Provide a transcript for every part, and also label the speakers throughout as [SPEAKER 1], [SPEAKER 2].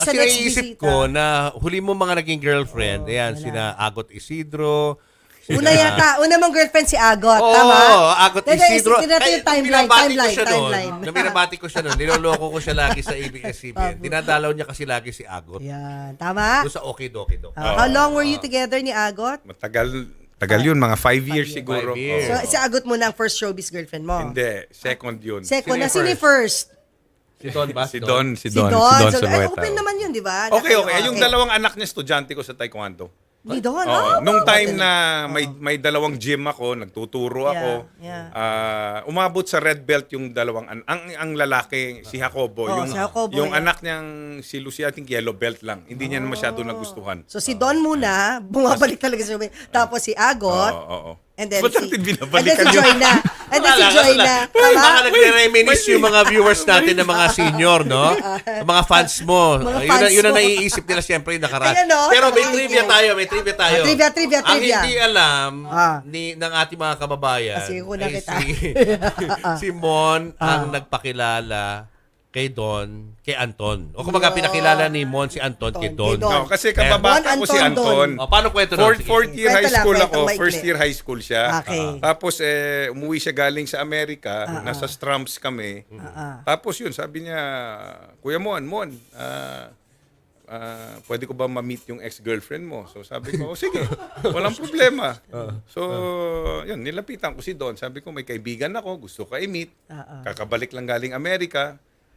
[SPEAKER 1] Kasi naiisip ko na huli mo mga naging girlfriend, ayan, sina Agot Isidro.
[SPEAKER 2] Una mong girlfriend si Agot,
[SPEAKER 1] Oo,
[SPEAKER 2] tama?
[SPEAKER 1] Agot Isidro.
[SPEAKER 2] Tingnan natin yung timeline.
[SPEAKER 1] Nung binabati ko siya noon, niloloko ko siya lagi sa ABS-CBN. Dinadalaw niya kasi lagi si Agot.
[SPEAKER 2] Yan, tama?
[SPEAKER 1] Doon sa Okidoki do.
[SPEAKER 2] How long were you together ni Agot?
[SPEAKER 3] Tagal yun, mga 5 years siguro.
[SPEAKER 1] 5 years.
[SPEAKER 2] So, si Agot mo na ang first showbiz girlfriend mo?
[SPEAKER 3] Hindi, second yun.
[SPEAKER 2] Second,
[SPEAKER 1] Sino
[SPEAKER 2] na sino
[SPEAKER 1] yung
[SPEAKER 2] yung first?
[SPEAKER 1] Si Don ba?
[SPEAKER 3] Si Don
[SPEAKER 2] Si Don. So,
[SPEAKER 3] Zulueta.
[SPEAKER 2] open naman yun, di ba?
[SPEAKER 3] Okay. Yung dalawang anak niya, estudyante ko sa Taekwondo.
[SPEAKER 2] Ni Don,
[SPEAKER 3] Nung time na may dalawang gym ako, nagtuturo ako,
[SPEAKER 2] Yeah.
[SPEAKER 3] umabot sa red belt yung dalawang ang lalaki, si Jacobo.
[SPEAKER 2] Si Jacobo,
[SPEAKER 3] yung
[SPEAKER 2] yeah.
[SPEAKER 3] anak niyang si Lucia, I think yellow belt lang. Hindi niya masyado nagustuhan.
[SPEAKER 2] So, si Don muna, bumabalik talaga sa showbiz. Tapos si Agot.
[SPEAKER 3] Oo.
[SPEAKER 2] And then
[SPEAKER 3] Ba't
[SPEAKER 2] si,
[SPEAKER 3] natin
[SPEAKER 2] and then
[SPEAKER 3] binabalikan
[SPEAKER 2] si Joy na. And then si Joy na. Tama?
[SPEAKER 1] Baka nagre-reminisce yung mga viewers natin ng mga senior, no? Ang mga fans mo.
[SPEAKER 2] Mga fans
[SPEAKER 1] Yun ang
[SPEAKER 2] mo.
[SPEAKER 1] naiisip nila siyempre yung nakaraan.
[SPEAKER 2] Ayan, no?
[SPEAKER 1] Pero may
[SPEAKER 2] Thank
[SPEAKER 1] trivia
[SPEAKER 2] you.
[SPEAKER 1] tayo,
[SPEAKER 2] Trivia.
[SPEAKER 1] Ang hindi alam
[SPEAKER 2] Ah.
[SPEAKER 1] ng ating mga kababayan
[SPEAKER 2] Kasi kuna
[SPEAKER 1] ay
[SPEAKER 2] kita.
[SPEAKER 1] si Mon ang nagpakilala kay Don, kay Anton. O kumbaga pinakilala ni Mon si Anton kay Don.
[SPEAKER 2] Kay Don.
[SPEAKER 3] No, kasi kababata ko si
[SPEAKER 2] Anton
[SPEAKER 3] Anton.
[SPEAKER 1] O, paano kwento nun? Sige.
[SPEAKER 3] Fourth year
[SPEAKER 2] Kwento
[SPEAKER 3] high
[SPEAKER 2] lang,
[SPEAKER 3] school
[SPEAKER 2] kwento,
[SPEAKER 3] ako.
[SPEAKER 2] maikli.
[SPEAKER 3] First year high school siya.
[SPEAKER 2] Okay.
[SPEAKER 3] Tapos umuwi siya galing sa Amerika. Nasa Strumps kami. Tapos yun, sabi niya, Kuya Mon, pwede ko ba ma-meet yung ex-girlfriend mo? So sabi ko, sige, walang problema. So, yun, nilapitan ko si Don. Sabi ko, may kaibigan ako, gusto ka i-meet. Kakabalik lang galing Amerika.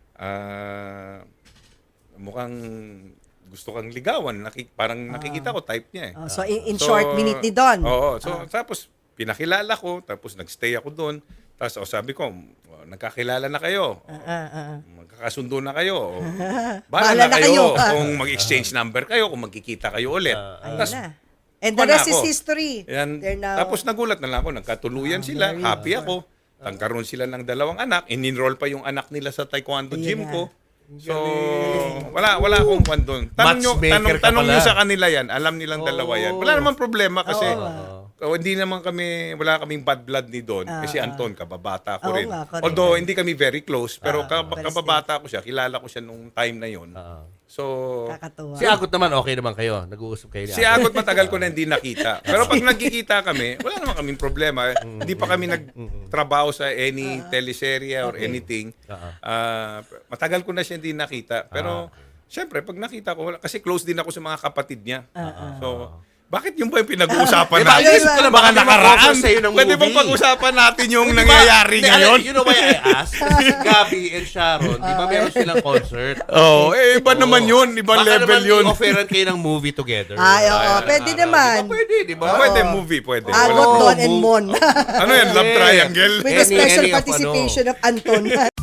[SPEAKER 3] Mukhang gusto kang ligawan. Parang nakikita ko, type niya eh.
[SPEAKER 2] So, in short, minute ni Don.
[SPEAKER 3] Oo. So, tapos, pinakilala ko. Tapos, nagstay ako doon. Tapos, sabi ko, nagkakilala na kayo. Magkakasundo na kayo. Bahala na kayo. Kung mag-exchange number kayo, kung magkikita kayo ulit. Tapos,
[SPEAKER 2] And the rest is history.
[SPEAKER 3] yan.
[SPEAKER 2] They're now-
[SPEAKER 3] Tapos, nagulat na lang ako. Nagkatuluyan sila. Happy ako. Nagkaroon sila ng dalawang anak. In-enroll pa yung anak nila sa taekwondo gym ko. So, wala akong kwan doon.
[SPEAKER 1] Matchmaker ka
[SPEAKER 3] Tanong nyo
[SPEAKER 1] pala.
[SPEAKER 3] sa kanila yan. Alam nilang dalawa yan. Wala namang problema kasi hindi naman wala kaming bad blood ni Don. Kasi Anton, kababata ko
[SPEAKER 2] Oo
[SPEAKER 3] rin.
[SPEAKER 2] nga, correct.
[SPEAKER 3] Although, hindi kami very close. Pero kababata ko siya. Kilala ko siya nung time na yon. So,
[SPEAKER 2] Kakatuwa.
[SPEAKER 1] Si Agot naman, okay naman kayo. Nag-uusap kayo ni
[SPEAKER 3] si Agot matagal ko na hindi nakita. Pero pag nagkikita kami, wala naman kaming problema. Hindi pa kami nagtrabaho sa any teleserye or anything. Matagal ko na siya hindi nakita. Pero, syempre, pag nakita ko, kasi close din ako sa mga kapatid niya. So, bakit yung ba yung pinag-uusapan
[SPEAKER 1] Diba,
[SPEAKER 3] natin?
[SPEAKER 1] ayun ko na, baka
[SPEAKER 3] Mga nakaraan.
[SPEAKER 1] mag-offer sa'yo ng
[SPEAKER 3] Pwede bang
[SPEAKER 1] movie?
[SPEAKER 3] pag-usapan natin yung
[SPEAKER 1] Di ba,
[SPEAKER 3] nangyayari ngayon?
[SPEAKER 1] You know why I asked? Si Gabby and Sharon, di ba meron silang concert?
[SPEAKER 3] Iba naman yun. Ibang level
[SPEAKER 1] Baka
[SPEAKER 3] yun.
[SPEAKER 1] naman i-offeran kayo ng movie together.
[SPEAKER 2] Ay, oo. Pwede naman.
[SPEAKER 1] Di ba pwede, di ba?
[SPEAKER 3] Pwede, movie, pwede.
[SPEAKER 2] Agot, Don, and Mon.
[SPEAKER 3] Ano yan? Love triangle?
[SPEAKER 2] With the special
[SPEAKER 1] Any of
[SPEAKER 2] participation of Anton.